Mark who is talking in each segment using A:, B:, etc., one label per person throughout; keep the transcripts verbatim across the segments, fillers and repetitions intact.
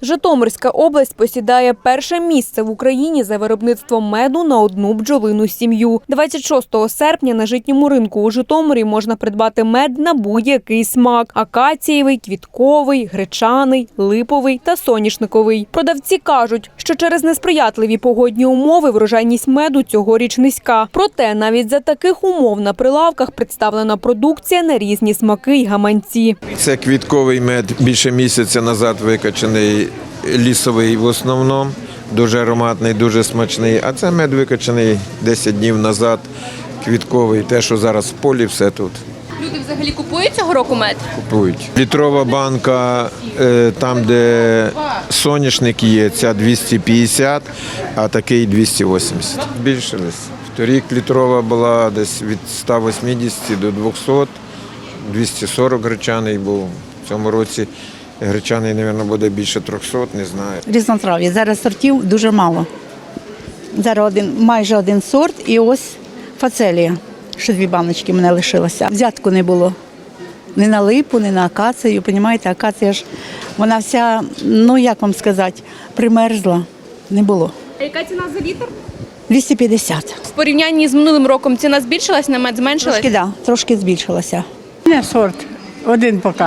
A: Житомирська область посідає перше місце в Україні за виробництвом меду на одну бджолину сім'ю. двадцять шостого серпня на житньому ринку у Житомирі можна придбати мед на будь-який смак – акацієвий, квітковий, гречаний, липовий та соняшниковий. Продавці кажуть, що через несприятливі погодні умови врожайність меду цьогоріч низька. Проте навіть за таких умов на прилавках представлена продукція на різні смаки й гаманці.
B: Це квітковий мед, більше місяця назад викачаний, лісовий в основному, дуже ароматний, дуже смачний. А це мед викачаний десять днів назад, квітковий, те, що зараз в полі, все тут.
C: Люди взагалі купують цього року мед?
B: Купують. Літрова банка, там, де соняшник є, ця двісті п'ятдесят, а такий двісті вісімдесят. Збільшились. Торік літрова була десь від ста вісімдесят до двохсот, двісті сорок гречаний був. В цьому році гречаний, мабуть, буде більше трьохсот, не знаю.
D: Різнотрав'я. Зараз сортів дуже мало. Зараз один, майже один сорт і ось фацелія. Ще дві баночки в мене лишилося. Взятку не було. Ні на липу, ні на акацію. Понімаєте, акація ж, вона вся, ну як вам сказати, примерзла. Не було.
C: А яка ціна за літр?
D: двісті п'ятдесят.
C: В порівнянні з минулим роком ціна збільшилась, на мед зменшилась?
D: Трошки, да, трошки збільшилася.
E: Не сорт, один поки.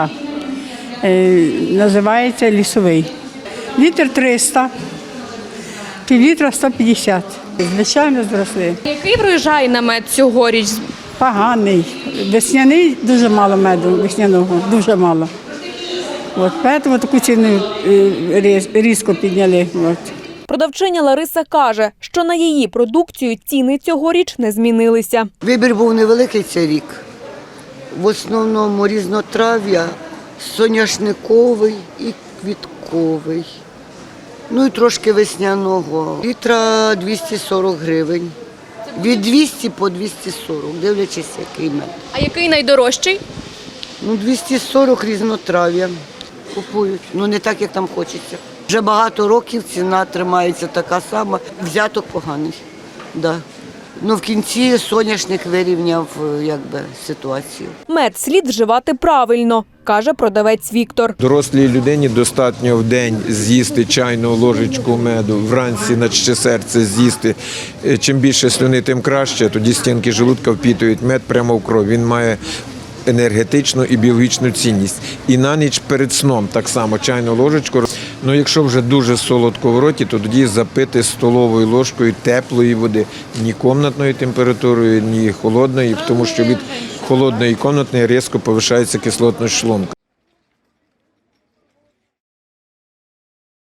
E: Е, називається лісовий. Літр триста, півлітра сто п'ятдесят. Звичайно, зросли.
C: Який врожай на мед цьогоріч?
E: Поганий. Весняний дуже мало меду, весняного, дуже мало. От, тому таку ціну е, різ- різко підняли. От.
A: Продавчиня Лариса каже, що на її продукцію ціни цьогоріч не змінилися.
F: Вибір був невеликий цей рік. В основному різнотрав'я, соняшниковий і квітковий. Ну і трошки весняного. Літра двісті сорок гривень. Від двісті по двісті сорок, дивлячись, який мед.
C: А який найдорожчий?
F: Ну, двісті сорок різнотрав'я купують. Ну, не так, як там хочеться. Вже багато років ціна тримається така сама. Взяток поганий. Да. Ну, в кінці соняшник вирівняв якби, ситуацію.
A: Мед слід вживати правильно, каже продавець Віктор.
B: Дорослій людині достатньо в день з'їсти чайну ложечку меду, вранці на ще серце з'їсти. Чим більше слюни, тим краще, тоді стінки желудка впітують мед прямо в кров. Він має енергетичну і біологічну цінність. І на ніч перед сном так само чайну ложечку. Ну, якщо вже дуже солодко в роті, то тоді запити столовою ложкою теплої води. Ні комнатною температурою, ні холодної, тому що від холодної і комнатної різко повишається кислотність шлунка.